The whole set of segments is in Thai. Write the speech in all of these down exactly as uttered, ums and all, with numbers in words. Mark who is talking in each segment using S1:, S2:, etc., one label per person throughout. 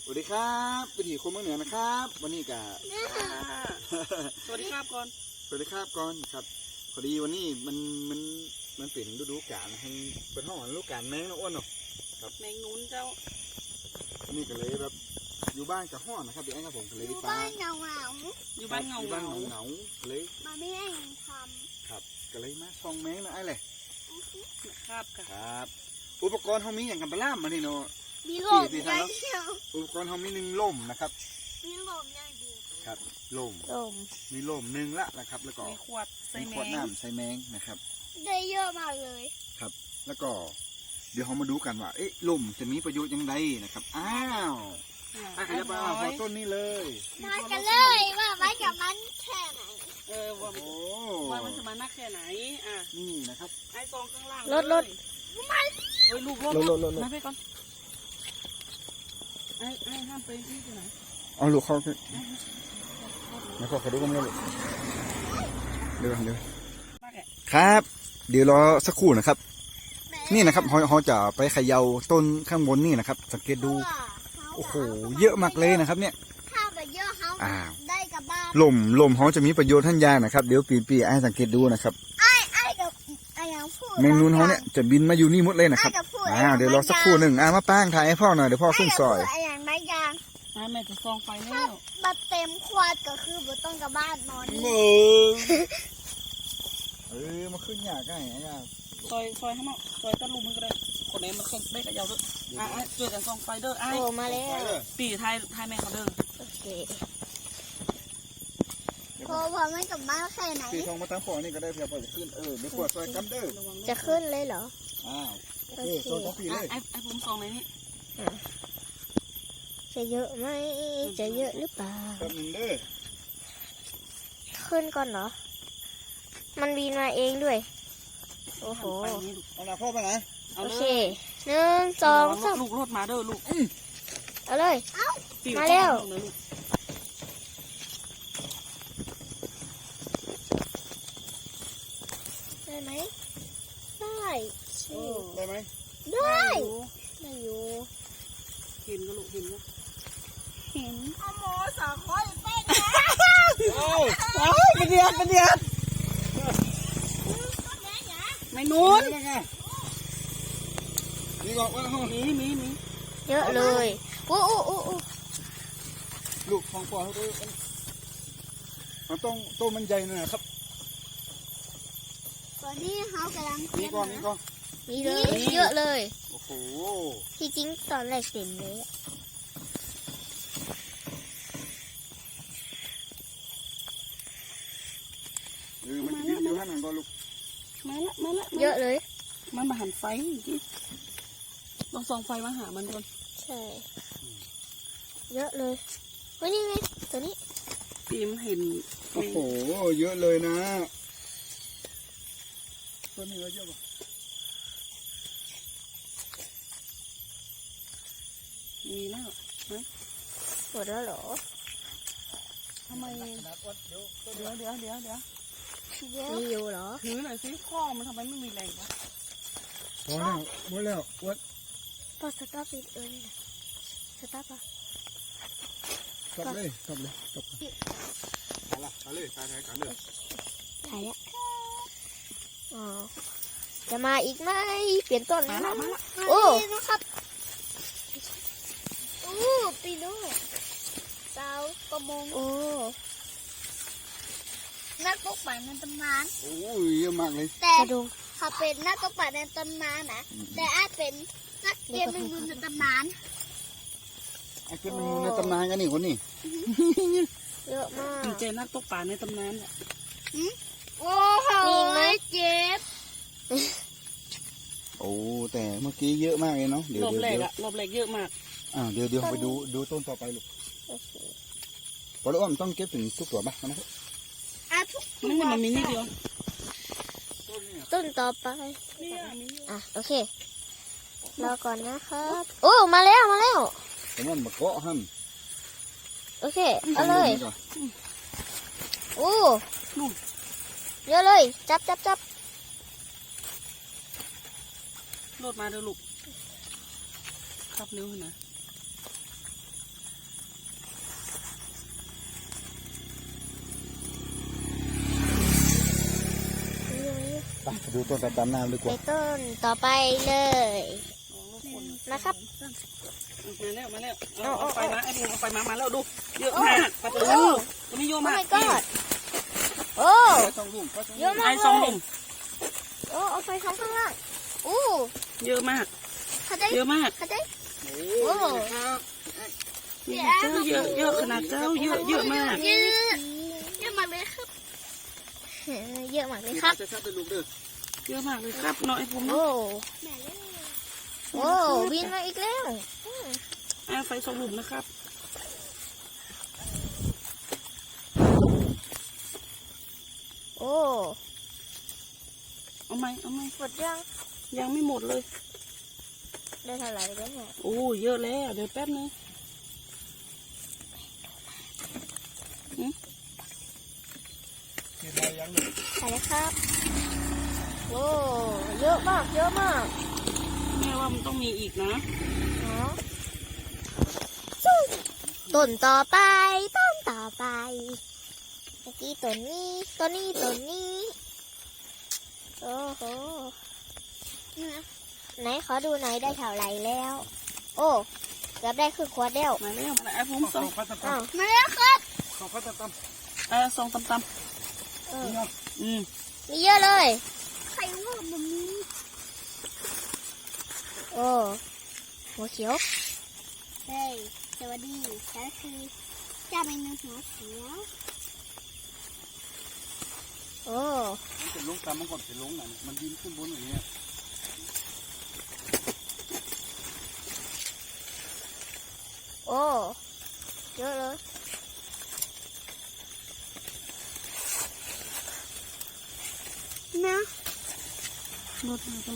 S1: สวัสดีครับวิถีคนเมืองเหนือนะครับวันนี้กับ
S2: สวัสดีครับก่อน
S1: สวัสดีครับก่อนครับพอดีวันนี้มันมันมันเป็นฤดูกาลให้เป็นห้องฤดูกาลแมงนะอ้วนเนาะ
S2: ครับแมงนุ้นเจ้า
S1: นี่ก็เลยแบบอยู่บ้านกับห้องนะครับเดี๋ยวไอ้ครับผมก็เลยอยู่
S3: บ้านเงาเงา
S2: อยู่บ้านเงา
S1: อยู่บ้านเงาเงาเลย
S3: มาไม่ให้ท
S1: ำครับก็เลยมาช่องแมงนะไอ้เลย
S2: ครับ
S1: ครับอุปกรณ์เขามีอย่างกันปลาล่ามมานี่เนาะ
S3: มีลมอย่างเดียว
S1: อุปกรณ์เขามีหนึ่งล่มนะครับ
S3: มีลมอย่างเดียว
S1: ครับล่ม
S3: ลม
S1: มีล่มหนึ่งละนะครับแล้วก็
S2: มีขวดใส่แมง
S1: ขวดน้ำใส่แมงนะครับ
S3: ได้เยอะมากเลย
S1: ครับแล้วก็เดี๋ยวเรามาดูกันว่าเอ๊ะล่มจะมีประโยชน์ยังไงนะครับอ้าวอ่ะขยับมาขอต้นนี้เลย
S3: มากันเลยว่าไว้กับมันแค่ไหน
S2: เออว่าว่ามันจะมานักแค่ไหนอ่ะ
S1: นี่นะครับ
S2: ไอ้ซองข้างล่าง
S3: รถรถ
S2: มันเฮ้ยลูกรถ
S1: รถรถ
S2: มาไปก่อนไอ้ไอ้ห้ามไปที่ไหน
S1: เอาลูกเข้าแล้วก็ขอดูกันเลยเดี๋ยวเดี๋ยวครับเดี๋ยวรอสักครู่นะครับนี่นะครับเขาเขาจะไปเขย่าต้นข้างบนนี่นะครับสังเกตดูโอ้โหเยอะมากเลยนะครับเนี่ย
S3: ถ้าไปเยอะเขาได้กับบ้าน
S1: ลมลมเขาจะมีประโยชน์ท่านยานะครับเดี๋ยวปีปีไอ้สังเกตดูนะครับ
S3: ไอ้ไอ้กับไอ้ยังพูด
S1: แมงนูนเขาเนี่ยจะบินมาอยู่นี่หมดเลยนะครับอ่าเดี๋ยวรอสักครู่หนึ่งอ่ามาป้างถ่ายให้พ่อหน่อยเดี๋ยวพ่อขึ้นซอย
S3: ไอ้ยังไม่ยัง
S2: ไอ้แม่จะซองไฟแล้ว
S3: มาเต็มขวดก็คือบ่ต้องกับบ้านนอน
S1: เออมาขึ้นยากง่ายง่าย
S2: ซอยซอยให้มันซอยตะลุมมันก็ได้คนไหนมันเคยได้กับยาวด้วยอ่ะเจอกันซองไฟเด้อไอ้
S3: โอ้มาแล้ว
S2: ปีไทยไทยแม่เขาเด้อ
S3: โอเคพอพอไม่กับบ้านแค่ไหน
S1: ปีทองมาตั้งปอนี่ก็ได้เพียงพอจะขึ้นเออเดี๋ยวปวดซอยกันเด้อ
S3: จะขึ้นเลยเหรอ
S1: อ้าวโอเคโซนของปีเลย
S2: ไอ้ไอ้ผมซองไหนนี่
S3: จะเยอะไหมจะเยอะหรือเปล่า
S1: แป๊บนึงเด้อ
S3: ขึ้นก่อนเหรอมันบินมาเองด้วยโอ้โห
S1: เอาละพ่อไปไหน
S3: โอเคหนึ่งสองสาม
S2: ลูกรถมาเด้อลูก
S3: เอาเลยมาเร็วได้ไหมได้
S1: ได้ไหม
S3: ได้ได้อยู่
S2: เห็นก็ลูกเห็นก็
S3: เห็นเอาหมอสาวคอยเต้นนะ
S1: โอ้
S2: ยเป็นเดือนเป็นเดือนไม่นู้น
S1: นี่บอกว่า
S2: มีมีมี
S3: เยอะเลยโอ้โอ้โอ้
S1: ลูกของพ่อเขาด้วยมันต้องต้นมันใหญ่หน่อยครับ
S3: ตอนนี้เขากำลัง
S1: มีก่อนมีก่อน
S3: มีเลยเยอะเลย
S1: โอ้โห
S3: ที่จริงตอนแรกเต็มเลย
S1: เออมันจะดิ้นอยู่ข้างหลังก่อนลูก
S2: มาละมาละ
S3: เยอะเลย
S2: มันมาหันไฟที่ลองส่องไฟมาหามันก่อน
S3: ใช่เยอะเลยเฮ้ยนี่ไงตัวนี้
S2: ปีมเห็น
S1: โอ้โหเยอะเลยนะตัวนี้เยอะป่ะ
S2: มีแล้วนะ
S3: หมดแล้วเหรอ
S2: ทำไมเดี๋ยวเดี๋ยวเดี๋ยวเดี๋ยวเดี๋ยว
S3: มีอยู่เหรอ
S2: ถือหน่อยสิข้อมันทำไมไม่มีแรงวะ
S1: พอแล้วหมดแล้ววัด
S3: พอสตาร์ทเออนี่สตาร์ทปะ
S1: กลับเลยกลับเลยกลับไปละไปเลยไปไหนกันเลย
S3: ถ่ายแล้วอ๋อจะมาอีกไหมเปลี่ยนต้น
S2: มาละมาละ
S3: โอ้นะครับโอ้ปีโน่สาวประมงโอ้นักตกปลาในตำนาน
S1: โอ้ยเยอะมากเลย
S3: แต่เขาเป็นนักตกปลาในตำนานนะแต่อาจเป็นนักเก็บแมงมุมในตำนาน
S1: ไอ้เก็บแมงมุมในตำนานกันนี่คนนี้
S3: เยอะมาก
S2: เจนักตกปลาในตำนานแหละ
S3: โอ้โหไม่เจ็บ
S1: โอ้แต่เมื่อกี้เยอะมากเลยเนาะ
S2: เดี๋ยวรอบแรกอะรอบแรกเยอะมาก
S1: อ่าเดี๋ยวเดี๋ยวไปดูดูต้นต่อไปลูกพอแล้วอ้อมต้องเก็บถึงทุกตัวป่ะนะครับ
S2: มันมันมีนิดเดียว
S3: ต้นต่อไปอ่ะโอเครอก่อนนะครับโอ้มาแล้วมาแล้ว
S1: แต่มันมาเกาะหั่น
S3: โอเคเอาเลยโอ้เยอะเลยจับจับจับ
S2: โหลดมาเดี๋ยวลูกขับเร็วขึ้นนะ
S1: ดูต้นตามน้ำดีก
S3: ไป
S1: ว่า
S3: ต้นต่อไปเลย นะครับ
S2: มาแล้วมาแล้วเอาเอาไฟมาไอ้พวกเอาไฟมามาแล้วดูเยอะมากปลา
S3: โอ้
S2: ทูตัวนี้เยอะ
S3: โอ้
S2: มาก
S3: my god โอ้
S1: สองลูก
S3: เยอะมาก
S2: ไอ้
S3: เล
S2: สอง
S3: ย
S2: ลุม
S3: โอ้เอาไฟท้องข้างล่างอู้
S2: เยอะมาก
S3: เข้าใจ
S2: เยอะมาก
S3: เข้าใจ
S1: โอ้
S2: เยอะเยอะเยอะขนาดเจ้าเยอะเยอะมาก
S3: เยอะเยอะมากเลยครับเยอะมากเลยครับ
S1: จะชัดเป็นลูกเด้อ
S2: เยอะมากเลยครับเนาะไอ้ผม
S3: โอ้
S2: เนาะ
S3: โอ้บินมาอีกแล้ว
S2: ไอ้ไฟสองลุมนะครับ
S3: โอ้
S2: เอาไหมเอาไหม
S3: หมดยัง
S2: ยังไม่หมดเลย
S3: ได้เท่าไหร่แล้วเนี่ย
S2: โอ้เยอะแล้วเดี๋ยวแป๊บนึง
S1: ใส่ยังหนึ่ง
S3: ใส่เลยครับโอ้เยอะมากเยอะมาก
S2: แม่ว่ามันต้องมีอีกนะ
S3: เนาะต้นต่อไปต้นต่อไปเมื่อกี้ต้นนี้ต้นนี้ต้นนี้โอ้โหนี่นะไหนขอดูหน่อยได้เท่าไหร่แล้ว โอ้เกือบได้ครึ่งขวดแล้ว
S2: มาแล้วมาแล้วไอ้ผมส
S1: ส
S2: อ
S1: อง งพัดต
S3: อ้าวมาแล้วครับ
S1: ำสองพัดตำ
S2: เออสองตำต
S3: เออ
S2: ำอืม
S3: มีเยอะเลยใครว่ามันมีโอ้หัวเขียวเฮ้ยสวัสดีฉันคือเจ้าแมงมุมหัวเขียวโอ้
S1: มันเป็นลงตามมันก่อนเป็นลงน่ะมันบินขึ้นบนอย่างเงี้ย
S3: โอ้เยอะเลยนะ
S2: รถมาตรง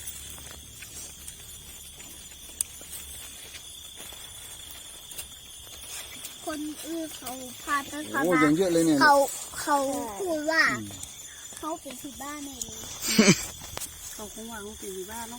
S3: คนอื่นเขาพาต้นเขา
S1: โอ้
S3: มา
S1: ยังเยอะเลยเนี่ย
S3: เขาเขาพูดว่าเขาเป็นที่บ้านเลย
S2: เขาคงวางลงตีบ้านเนาะ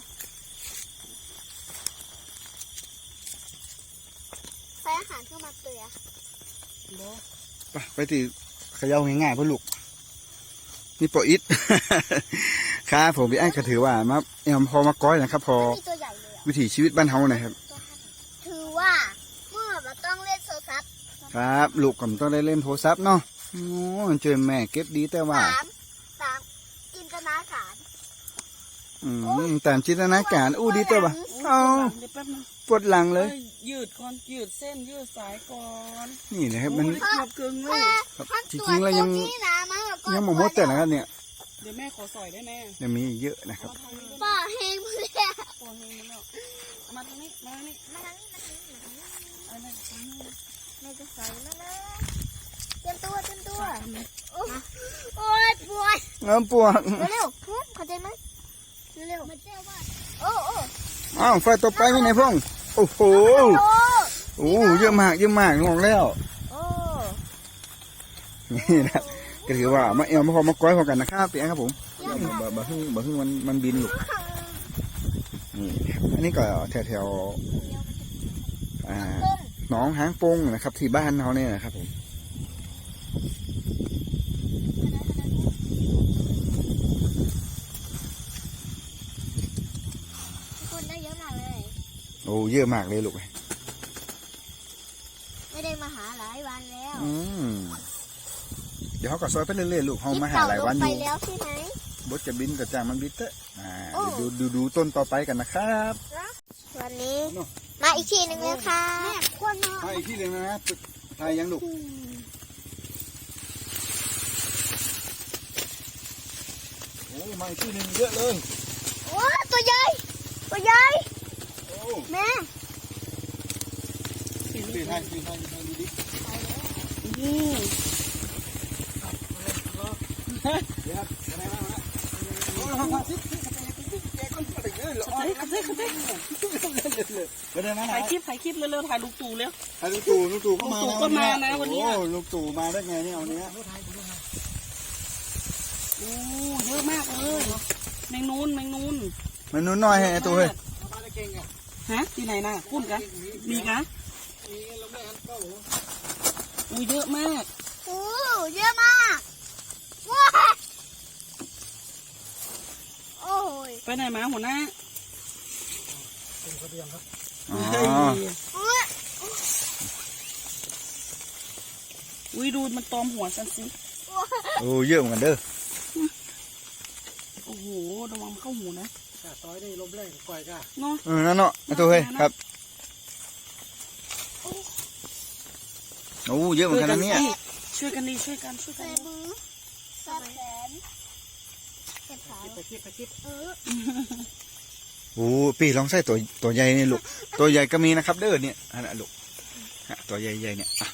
S3: ใช้อาหารเข้ามาเตือ
S2: บ่
S1: ไปไปที่เขย่าง่ายๆเพื่อลูกนี่ปออิด ครับผมพี่ไอ้ก็ถือว่ามาเอ็มพอมาก้อยนะครับ พอ
S3: มีตัวใหญ่เลยอ่ะ
S1: วิถีชีวิตบ้านเฮานะครับ
S3: ถือว่าเมื่อเราต้องเล่นโซซับ
S1: ครับ ลูกก็ต้องได้เล่นโทรศัพท์เนาะโอ้เจอแม่เก็บดีแต่ว่า
S3: สามสามจินตนาการ
S1: อืมแต่จินตนาการอู้ดีแต่ว่า
S2: เอา
S1: เอา
S2: เดี๋ยวแป๊บนึง
S1: ปวดหลังเลย
S2: ยืดก่อนยืดเส้นยืดสายก่อน
S1: นี่นะครับมัน
S2: โอ้ได้เกือบเกินเลย
S1: ครับ
S3: ถ้า
S1: จริงๆแล้วยัง
S3: ตัวนี้นะมันก็
S1: ยังหมดหมดแต่นะครับเนี่ย
S2: เดี๋ยวแม่ขอสอยได้แน่
S1: ยังมีเยอะนะครับ
S3: ป่าเฮงเพื่อน
S2: โอนเงินแล้วเอามาตรงนี้มาตรงนี้
S3: มาทางนี้มาทางนี้มาทางนี้
S2: เอาเลยเอาเลย
S3: แม่จะใส่แล้วนะเตรียมตัวเตรียมตัวโอ้โอ้ยปวด
S1: เงินปวด
S3: เร็วๆพุ่เข้าใจไหมเร็วๆมันเจ้าว่าโอ้โอ้
S1: อ้าวไฟต่อไปมีไหนพ่องโอ้โห
S3: โอ้
S1: โอ้เยอะมากเยอะมากงงแล้ว
S3: โอ้
S1: นี่นะก็ถือว่ามาเอวมาพอมาก้อยพอกันนะครับพี่แอนครับผม
S3: เยอะมาก
S1: บะบะฮึ่งบะฮึ่งมันมันบินอยู่นี่อันนี้ก็แถวแถวๆอ่าหนองหางปงนะครับ ที่บ้านเขาเนี่ยนะครับผม
S3: คนได้เยอะมากเลย
S1: โอ้เยอะมากเลยลูก
S3: ไม่ได้มาหาหลายวันแล้ว
S1: อืมเดี๋ยวเขาก็ซอยไปเรื่อยๆลูกเขามาหาหลายวันอ
S3: ไป
S1: ยู่
S3: แล้วใช่ไหม
S1: บดจะบินกับจางมันบินเตอะอ่า
S3: โอ้
S1: เดี๋ยวดูดูดูต้นต่อไปกันนะครับ
S3: วันนี้ มาอีกทีหนึ่งแล้วค่ะคนมา
S1: มาอีกที่หนึ่งนะฮะไทยยังลูกโอ้มาอีกที่หนึ่งเยอะเลย
S3: โอ้ตัวใหญ่ตัวใหญ่
S1: โอ้
S3: แม่
S1: ปีไทยปีไทยปีไทยดูดิ
S2: นี่
S1: เดี๋ยวครับอะไรมาฮะโอ้โหซิปซิปแกก็ไปเยอะเลย
S2: เฮ้ยเฮ้ยเฮ้ย
S1: ไปเดินมา
S2: ถ่ายคลิปถ่ายคลิปเร็วๆถ่ายลูกตู่เร็ว
S1: ลูกตู่ลูกตู่ก็มา
S2: ลูกตู่ก็มานะวันนี้
S1: โอ้ลูกตู่มาได้ไงเนี่ยวันนี้
S2: โอ้เยอะมากเลยแมงนูนแมงนูน
S1: มันนุ่นน้อยให้ไอ้ตัวเฮ้ย
S2: ฮะที่ไหนน่ะพูดกันมีกันอุ้ยเยอะมาก
S3: โอ้เยอะมากว้าย
S2: ไปไหนมาหัวหน้า
S1: อ๋อ
S2: เฮ้ย
S3: อุ๊ย
S2: อุ้ยดูมันตอมหัวฉันสิ
S1: โอ้เยอะเหมือนกันเด้อ
S2: โอ้โหระวังมันเข้าหูนะ
S4: ต้อยได้ลมแรงก่อยก้า
S2: เนาะ
S1: เออนั่นเนาะไอ้ตัวเฮ้ยครับโอ้เยอะเหมือนกันนะเนี่ย
S2: ช่วยกันดีช่วยกันช่วย
S3: ใส่
S2: กัน
S3: มือใส่แขนใส่ขา
S4: ไปคิดไปคิด
S3: เออ
S1: โอ้ปีลองใส่ตัวตัวใหญ่นี่ลูกตัวใหญ่ก็มีนะครับเด้อเนี่ยอันนั้นลูกฮะตัวใหญ่ๆเนี่ยอ่ะ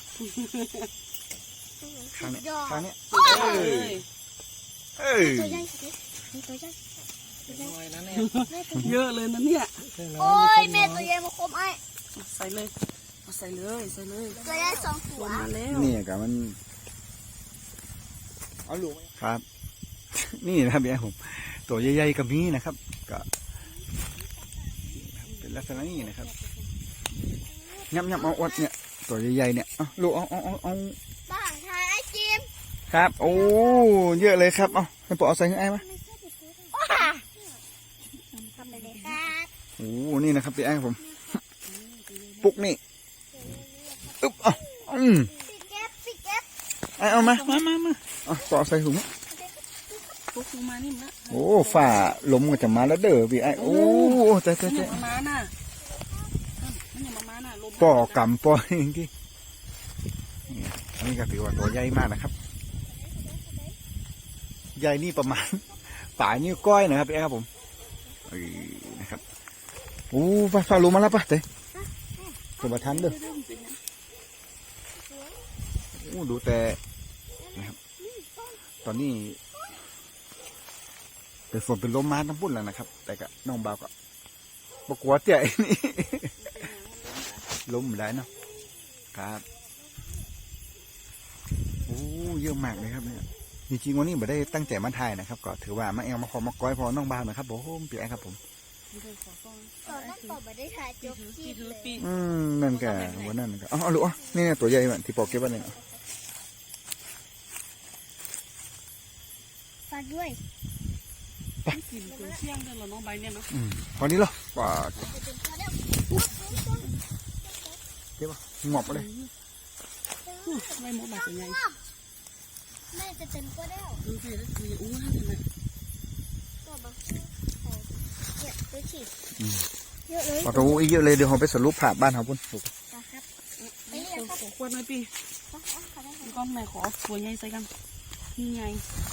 S1: ข้างเนี้ย
S3: ยอด
S1: ข้างเนี้ย
S2: เอ้ย
S1: เอ้ย
S3: ตัวใหญ่สินี่ตัวใหญ่
S4: น้อยนะเนี่ย
S3: แม่ตัว
S2: เยอะเลยนะเนี่ย
S3: โอ้ยแม่ตัวใหญ่มาคมไอ้
S2: ใส่เลยเอาใส่เลยใส่เลย
S3: ตัวใหญ่สองหั
S2: ล
S3: ว
S2: งมาแล้ว
S1: นี่กับมันเอาลูกครับ นี่นะครับเนี่ยผมตัวใหญ่ๆก็มีนะครับก็เป็นลักษณะนี้นะครับยับยับเอาอดเนี่ยตัวใหญ่ๆเนี่ยเอาลูกเอาเอาเอาเอา
S3: บ้านทายไอ้จิม
S1: ครับโอ้เยอะเลยครับเอาให้ปอเอาใส่ให้ไอ้มา
S3: ว้าทำไปเลยครับ
S1: โอ้นี่นะครับพี่แอ้งผม ปุ๊กนี่อึ๊บเอ่ะอืม
S3: ปิดเก็บปิดเก็บ
S1: ไอ้เอามามามามาเอาปอเอาใส่ถุง
S2: ปุ๊บลงมานี่มละ
S1: โอ้ฝ่าลมก็จะมาแล้วเด้อพี่ไอ้โอ้เจ๊
S2: มั
S1: เจ๊
S2: นอ
S1: เจ๊
S2: ย่ามามาน่ะมันอย่ามามาน่ะลม
S1: ปอกำปอจริงๆนี่อันนี้ก็ถือว่าตัวใหญ่มากนะครับ ใหญ่นี่ประมาณ ป่านิ้วก้อยนะครับพี่แอ้ครับผมเอ้ยนะครับโอ้ฝ่าฝ่าลมมาแล้วปะเจ๊ตัวมาทันเด้อโอ้ดูแต่นะครับตอนนี้เป็นฝนเป็นลมมาทั้งปุ่นแล้วนะครับ แต่ก็น้องบ่าวก็บกลัวเจ๊นี่ ลมไม่ได้เนาะครับโอ้เยอะมากเลยครับเนี่ยจริงๆวันนี้ไม่ได้ตั้งใจมาถ่ายนะครับก็ถือว่ามาแอลมาขอมาก้อยพอน้องบ่าวนะครับผมพี่แอครับผม
S3: ตอนนั้นต่อไปได้ถ่ายจบคลิปเลย
S1: อืมนั่นแกวันนั้นก็อ๋อลูกอ๋อนี่ตัวใหญ่เหมือนที่ปอกเก็บไว้เนี่ย
S3: ฝากด้วย
S2: กินตัวเชี่ยงเดินเราน้องใบเนี่ยเนาะ
S1: อืมพอนี้เหรอป่า
S3: จะเป็นตัวเดียว
S1: เก็บป่ะงอบไปเลย
S2: ไม่หมดแบบยังไง
S3: แม่จะเป็นตัวเดียว
S2: ดูสิแล้วคืออู้ห้าเลยนะ
S3: ก็มาเนี่ยตัวฉีดเยอะเลย
S1: ปอตัวอีกเยอะเลยเดี๋ยวเราไปสรุปผ่าบ้านเขาพุ่นลูก
S3: นะครับไป
S2: นี่
S3: เรียนครับ
S2: ขอควรหน่อยพี่
S3: เขาได้
S2: ก้อนแม่ขอตัวใหญ่ใส่กันนี่ไง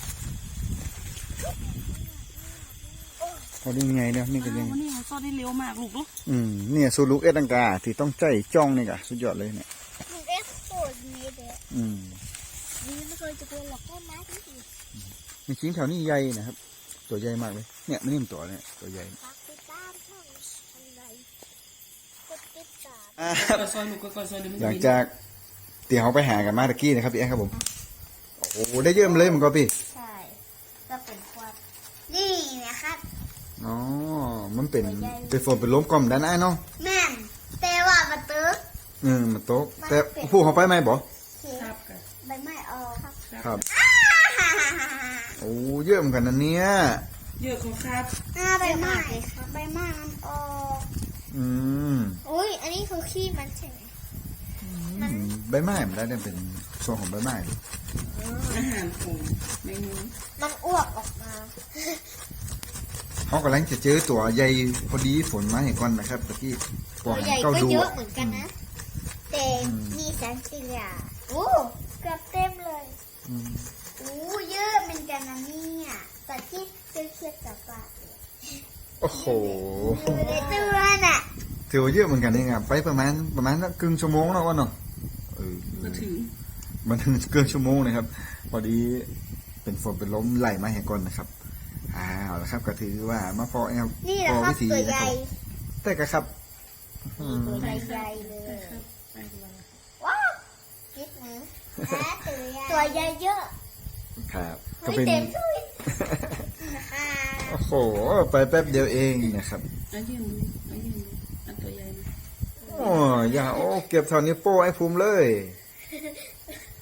S1: พอดีไงเนี่ยนี่ก็ยัง
S2: วันนี้เขาซ่อนได้เร็วมากลูกลูก
S1: อืมเนี่ยสูลูกเอ็ดตังกาที่ต้องใจจ้องนี่กะสุดยอดเลยเนี่ย
S3: ลูกเอ็กโคตรดีเลย
S1: อืม
S3: ดีไม่เคยจะเป็นหลอกต้นไม้ที่ดี
S1: มีชิ้นแถวนี้ใหญ่นะครับ ตัวใหญ่มากเลยเนี่ยมันนี่มนตัวเนี่ยตัวใหญ่
S3: ฝากติดตามช่องอะไรกดติดตาม
S1: อ่า
S2: ก็ซอยลูกก็ซอยเดี๋ยวมัน
S1: หลังจากที่เขาไปหากันมาตะกี้นะครับพี่แอ๊ครับผมโอ้โหได้เยอะเลยมันก็พี่
S3: ใช่ก็เป็นควายนี่นะครับ
S1: อ๋อมันเป็นเป็นฝนเป็นลมกล่อมด้านไอ้เนาะ
S3: แม่นแต่ว่ามาตึก
S1: เออมันโต๊ะแต่ผู้เขาไปไหมบ่
S3: เขีย
S2: ครับกัน
S3: ใบไม้ออกครับ
S1: ครับโอ้เยอะเหมือนกันนะเนี่ย
S2: เยอะของครับ
S3: อ่าใบไม้ครับใบไม้มันออก
S1: อืม
S3: อุ้ยอันนี้คือขี้มันใช่ไหม
S1: อืมใบไม้มันได้เนี่ยเป็นส่วนของใบไม้ดิ
S2: อาหารของแมงมุม
S3: มันอ้วกออกมา
S1: เขากำลังจะเจอตัวใหญ่พอดีฝนมาเห็นก่อนนะครับตะกี้ป
S3: ตั
S1: อ
S3: วน ใหญ่
S1: เก้า
S3: ก็
S1: ดู
S3: เยอะ
S1: อะ
S3: เหมือนกันนะแต่มีแสงสีเหลืองโอ้เกือบเต็มเลย
S1: อืม
S3: โอ้เยอะเหมือนกันนะเนี่ยแต่ที่เทียบเทียบกับปลา
S1: โอ้โห
S3: อยู่ในตัวน่ะ
S1: ถือว่าเยอะเหมือนกันเองอะไปประมาณประมาณสักครึ่งชั่วโมงแล้ววะเนาะเออ
S2: มาถึง
S1: มันถึงเกินชั่วโมงนะครับ พอดีเป็นฝนเป็นลมไหลมาแห่งก่อนนะครับอ้าวแล้วครับก็ถือว่ามาพอแอล
S3: นี่แห
S1: พ
S3: ละ
S1: อ
S3: ครับ
S1: วิธี
S3: ตัว
S1: นะ
S3: ให
S1: ค
S3: ญ่
S1: รับแต่ก็ครับอืม
S3: ตัวใหญ่ๆเลย
S2: ไปดู
S3: ว้าวคิดมือตัวใหญ่เยอะ
S1: ครับก็
S3: ไม่
S1: เป็น
S3: เต็มที่นะคะ
S1: โอ้โหไปแป๊บเดียวเองนะครับ
S2: อันยืนอันยืนอันตัวใหญ่นะ
S1: โอ้อย่าโอ้เก็บเท่านี้วโป้ให้ภูมิเลย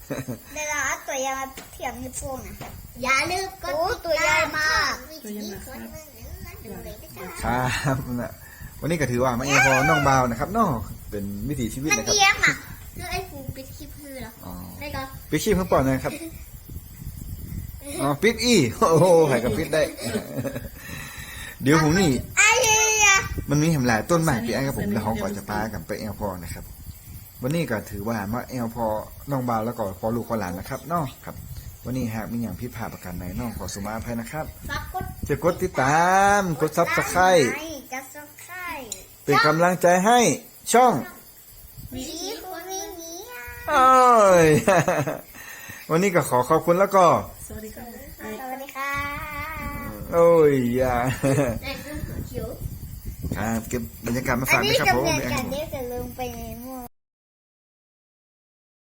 S3: เดี๋ยวเราเอาตัวใหญ่มาเทียบนิ้วโป้งนะอย่าลืมกดตัวใหญ่มาก
S1: ครับนะวันนี้ก็ถือว่ามาเอพอน้องบาวนะครับเนาะเป็นวิถีชีวิต
S3: มัน
S1: นะครับ
S3: เลี้ยงอ่ะแล้วไอ้ฟูปิดคลิปคือเหรอ
S1: อ๋อ
S3: ได้ก็
S1: ปิดชีพเพิ่งปล่อยนะครับอ๋อปิดอีโอ้โหใครกับปิดได้ เดี๋ยวผมนี่
S3: ไอ้เหี้ย
S1: มันมีแหมหลายต้นไม้ปีไอ้ครับผมแล้วเขาก็จะพากันไปเอลพอนะครับ วันนี้ก็ถือว่ามาเอลพอน้องบาวแล้วก็พอลูกพอหลานนะครับเนาะครับ วันนี้หากมีอย่างผิดพลาดประการใดน้องขอสุมาอภัยนะครับ
S3: ฝากกด
S1: จะกดติดตามกดซับสไครต์
S3: จะซับสไครต์
S1: เป็นกำลังใจให้ช่อง
S3: วีคุณวีนี้อ่ะ
S1: โอ้ย วันนี้ก็ขอขอบคุณแล้วก็
S2: สวัสดีค่ะ
S3: สวัสดีค่ะ
S1: โอ้ยอย่า
S3: แต่เรื่องเขียว
S1: ครับเก็บบรรยากาศมา
S3: อั
S1: ฝาน ก
S3: นี้
S1: นะครับ
S3: จะ
S1: ผม
S3: เรียนกันเดี๋ยวจะลืมไปใน